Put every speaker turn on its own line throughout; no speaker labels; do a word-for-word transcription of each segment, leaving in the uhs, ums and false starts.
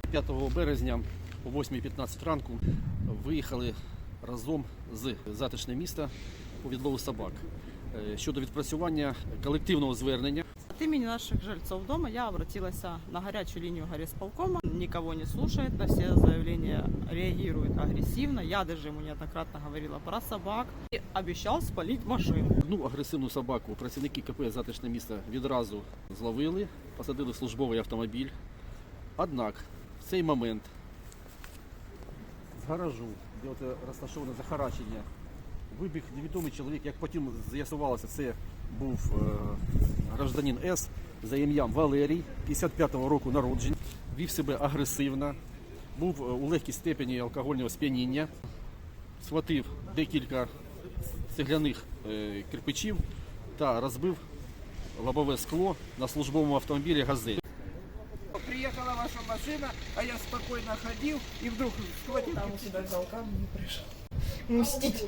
п'ятого березня о восьмій п'ятнадцять ранку виїхали разом з затишне міста по відлову собак щодо відпрацювання колективного звернення.
От имени наших жильцов дома я обратилась на горячую линию горисполкома. Никого не слушает, на все заявления реагирует агрессивно. Я даже ему неоднократно говорила про собак и обещал спалить машину.
Одну агресивну собаку працівники КП «Затишне місто» відразу зловили, посадили в службовий автомобіль. Однак в цей момент з гаражу, де от розташоване захарачення, вибіг невідомий чоловік, як потім з'ясувалося, це був е, гражданин С за ім'ям Валерій, п'ятдесят п'ятого року народження, вів себе агресивно, був у легкій степені алкогольного сп'яніння, схватив декілька цегляних е, кирпичів та розбив лобове скло на службовому автомобілі «Газель».
Приехала ваша машина, а я спокойно ходил и вдруг схватил.
Там у себя взял камни и пришел мстить.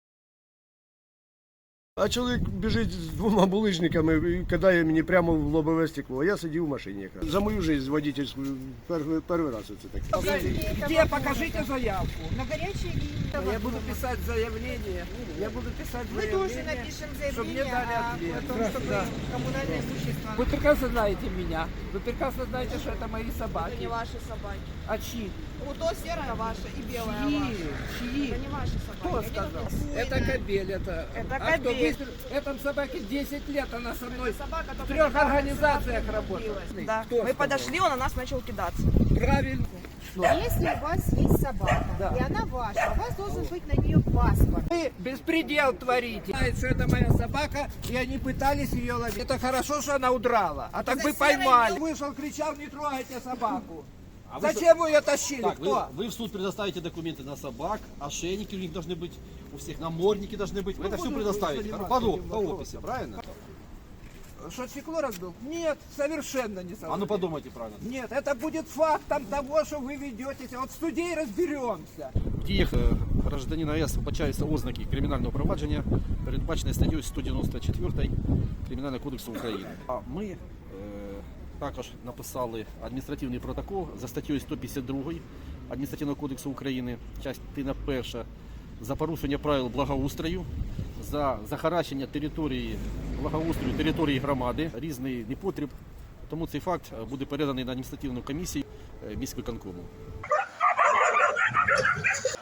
А чоловік біжить з двома булижниками і кидає мені прямо в лобове стекло. Я сидів в машині якраз. За мою життя водительську перший, перший раз це таке.
Где? Покажите заявку.
На горячей линии.
Я буду писать заявление. Я буду писать
Мы
заявление.
тоже напишем
чтобы мне
заявление
дали
о,
ответ.
о том, чтобы
Да.
коммунальное имущество.
Вы прекрасно знаете меня. Вы прекрасно знаете, что это мои
Это
собаки.
не ваши собаки.
А чьи?
Вот то серая ваша и белая
Чьи?
ваша.
Чьи?
Это не ваши собаки.
Кто
Они
сказал?
тут
Это
буйные.
кобель. Это,
Это
а кто
кобель.
выстрелил? Этом собаке десять лет, она со мной
Собака
в
только
трех
недавно
организациях
сюда
работает.
прилупилась. Да.
Кто
Мы
сказал?
подошли, он на нас начал кидаться.
Правильно.
Если у вас есть собака,
Да.
и она ваша, у вас должен быть на нее паспорт.
Вы беспредел творите. Знаете, что это моя собака, и они пытались ее ловить. Это хорошо, что она удрала. А так
За
бы
серой
поймали. Вышел, кричал, не трогайте собаку.
А вы
Зачем вы ее тащили?
Так, вы,
Кто?
вы в суд предоставите документы на собак, ошейники у них должны быть, у всех намордники должны быть. Вы это все
буду
предоставите
заниматься
по,
этим
по
вопросом.
описи, правильно?
Что, стекло разбил? Нет, совершенно не
А ну
совершенно.
подумайте правильно.
Нет, это будет фактом того, что вы ведетесь. Вот в суде и разберемся.
В діях е, гражданина С вбачаються ознаки кримінального провадження, передбачене статтею сто дев'яносто чотири Кримінального кодексу України. А ми е, також написали адміністративний протокол за статтею сто п'ятдесят два Адміністративного кодексу України, частина перша, за порушення правил благоустрою, за захаращення території благоустрою території громади, різний непотріб. Тому цей факт буде переданий на адміністративну комісію е, міськвиконкому.